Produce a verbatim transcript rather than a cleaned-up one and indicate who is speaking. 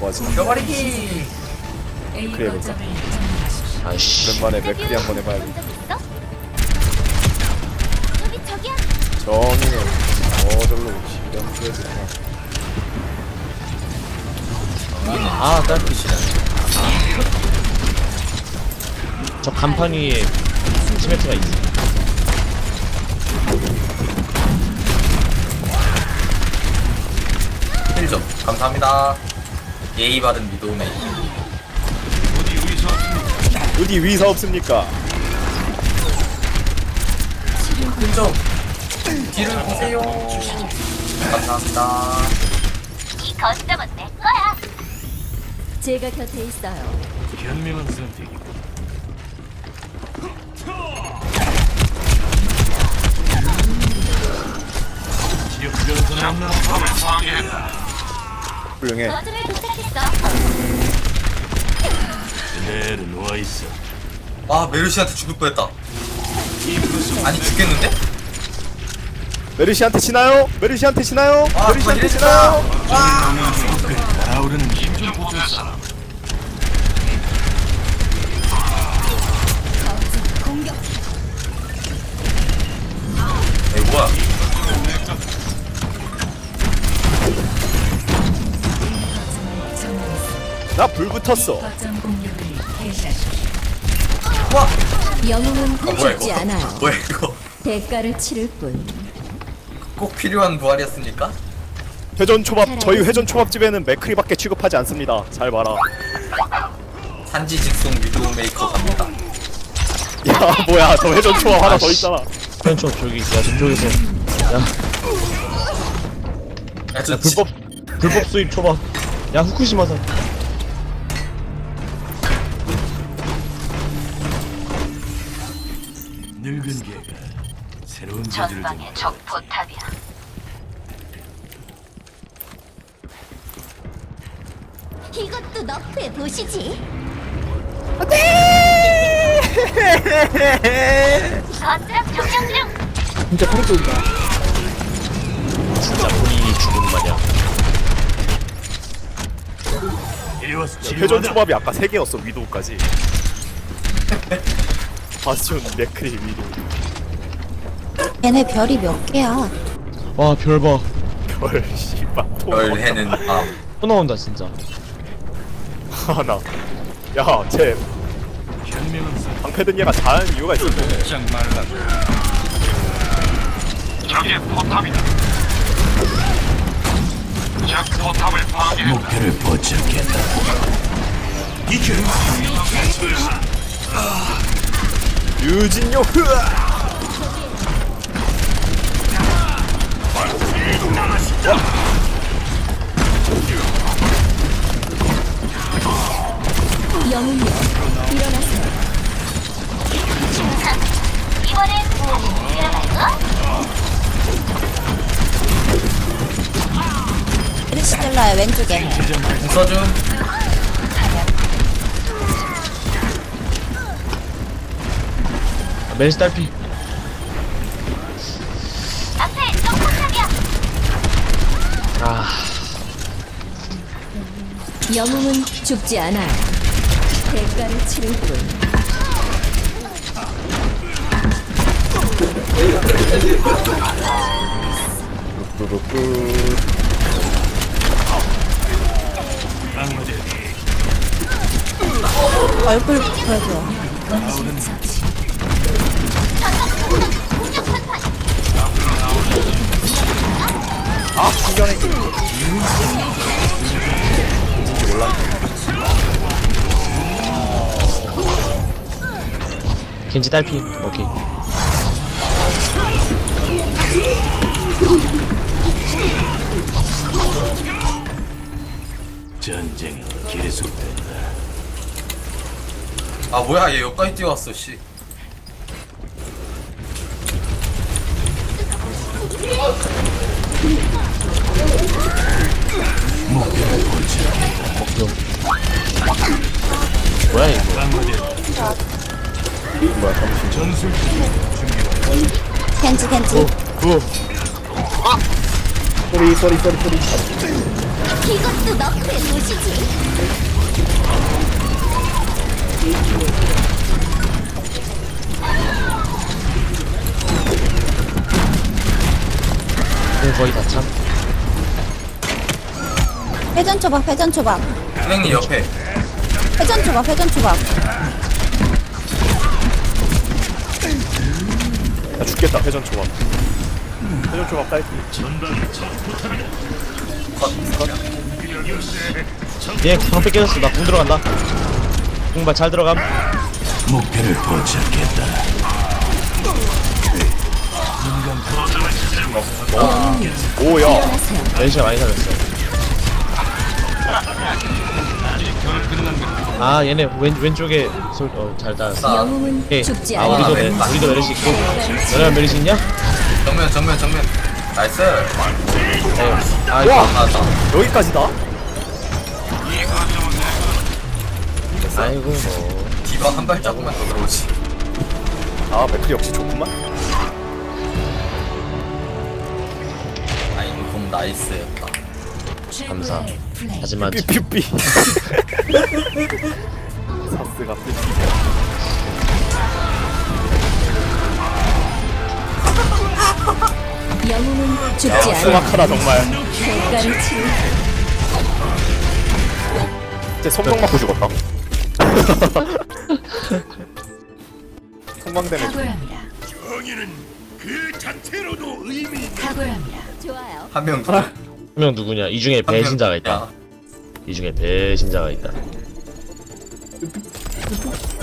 Speaker 1: 뭐라고 하지?
Speaker 2: 죽여버리기.
Speaker 1: 그래 볼까?
Speaker 3: 아이씨.
Speaker 1: 오랜만에 맥크리 한번 해봐야겠다.
Speaker 4: 저기 저기야.
Speaker 1: 정의는 저절로 실현되지.
Speaker 3: 아, 딸피시네. 저 간판 위에 시메트가 있어.
Speaker 2: 힐 좀 감사합니다. 예의 받은 미도메이.
Speaker 1: 어디 위사 없습니까?
Speaker 2: 힐 좀. 뒤를 보세요. 감사합니다.
Speaker 4: 이 거점은 내 거야. 제가 곁에 있어요.
Speaker 5: 현명한 선택이고. 지역 변수는 없나?
Speaker 1: 훌륭해.
Speaker 4: 거점을 도착했어.
Speaker 5: 그대로 누워 있어.
Speaker 2: 아 메르시한테 죽을 뻔했다. 아니 죽겠는데?
Speaker 1: 메르시한테 치나요? 메르시한테 치나요?
Speaker 2: 아
Speaker 1: 메르시한테
Speaker 2: 그만
Speaker 1: 치나요?
Speaker 2: 이랬다.
Speaker 5: 날아오르는 힘좀 보존사.
Speaker 4: 공격.
Speaker 2: 에이 뭐야?
Speaker 1: 나 불 붙었어.
Speaker 2: 와.
Speaker 4: 영웅은
Speaker 2: 아 뭐야
Speaker 4: 죽지
Speaker 2: 이거?
Speaker 4: 않아요.
Speaker 2: 뭐야 이거?
Speaker 4: 대가를 치를 뿐.
Speaker 2: 꼭 필요한 부활이었습니까?
Speaker 1: 회전 초밥 저희 회전 초밥집에는 맥크리밖에 취급하지 않습니다. 잘 봐라.
Speaker 2: 산지 직송 위도우 메이커 갑니다.
Speaker 1: 야 뭐야 저 회전 초밥 하나 더 있잖아.
Speaker 3: 왼쪽 저기, 야, 저쪽에서. 야,
Speaker 2: 야, 저
Speaker 3: 야, 불법, 불법 수입 초밥. 야, 후쿠시마산.
Speaker 5: 늙은 개가 새로운 저주를 좀.
Speaker 4: 적 포탑이야. 이것도 너프해 보시지. 거점 점령 중.
Speaker 3: 진짜 소리소리다. 진짜 본인이 죽은 마냥.
Speaker 5: 이리 와서
Speaker 1: 회전
Speaker 5: 치료받아.
Speaker 1: 초밥이 아까 세 개였어 위도우까지. 바스티온 맥크리 위도우.
Speaker 6: 얘네 별이 몇 개야?
Speaker 3: 와, 별 봐.
Speaker 1: 별 씨발
Speaker 2: 별 해는 밤.
Speaker 3: 또 나온다, 진짜.
Speaker 1: 하나. 야쟤
Speaker 5: 현명한 선택.
Speaker 1: 방패든 얘가 잘하는 이유가 있어.
Speaker 5: 짝 말라. 저기 포탑이다. 적 포탑을 파괴. 목표를 포착했다. 이겨.
Speaker 1: 유진요 흐아.
Speaker 4: 영웅이여 일어나세요. 이번엔 일어날까?
Speaker 6: 크리스텔라야 왼쪽에.
Speaker 2: 써줌.
Speaker 3: 아, 멜스 딸피.
Speaker 4: 앞에 적 포탑이야.
Speaker 3: 아,
Speaker 4: 영웅은 죽지 않아요. 대가를 치를 뿐.
Speaker 1: 뚜루뚜.
Speaker 6: 얼굴 보여줘.
Speaker 1: 아 신기하네. 뭔지 몰랐네.
Speaker 3: 겐지 딸피. 오케이.
Speaker 5: 전쟁이 계속된다.
Speaker 2: 아 뭐야 얘 여기까지 뛰어왔어 씨.
Speaker 3: 뭐야, 이거.
Speaker 1: 뭐야 잠시.
Speaker 5: 전술
Speaker 6: 켄지 켄지.
Speaker 3: 구.
Speaker 1: 쏘리 쏘리 쏘리 쏘리.
Speaker 4: 이것도 너프의 도시지.
Speaker 3: 공 거의 다 참.
Speaker 6: 회전 초밥, 회전 초밥.
Speaker 2: 선생님 옆에.
Speaker 6: 회전 초밥, 회전 초밥.
Speaker 1: 나 죽겠다 회전 초밥. 회전 초밥 딸기.
Speaker 3: 얘 방패 깨졌어. 나 궁 들어간다. 궁발 잘 들어감.
Speaker 5: 목표를 포착했다.
Speaker 1: 오야.
Speaker 4: 일어나세요.
Speaker 3: 멜시가 많이 살렸어. 아 얘네 왼 왼쪽에 솔 어잘 따랐어.
Speaker 4: 영웅은
Speaker 3: 오케이.
Speaker 4: 죽지
Speaker 3: 아
Speaker 4: 않아.
Speaker 3: 우리도
Speaker 2: 네.
Speaker 3: 메, 우리도 메르시 있고. 너네가 메르시 있냐?
Speaker 2: 정면 정면 정면. 나이스.
Speaker 3: 네. 아
Speaker 1: 와!
Speaker 3: 이거
Speaker 2: 나왔다.
Speaker 1: 여기까지다?
Speaker 3: 아이고 뭐.
Speaker 2: 디바 한 발자국만 더 들어오지.
Speaker 1: 아 맥클이 역시 좋구만.
Speaker 2: 아이 공 나이스였다.
Speaker 3: 감사. 하지만
Speaker 1: 삐삐삐. 사스가 삐삐.
Speaker 4: 영웅은 죽지 않아.
Speaker 1: 수박하다 정말.
Speaker 4: 대가를 치를
Speaker 1: 이제 성공 맞고 죽었다. 성광되네.
Speaker 4: 각오합니다.
Speaker 5: 정의는 그 자체로도 의미.
Speaker 4: 각오합니다. 좋아요.
Speaker 2: 한 명.
Speaker 3: 한 명 누구냐? 이 중에 배신자가 있다. 이 중에 배신자가 있다.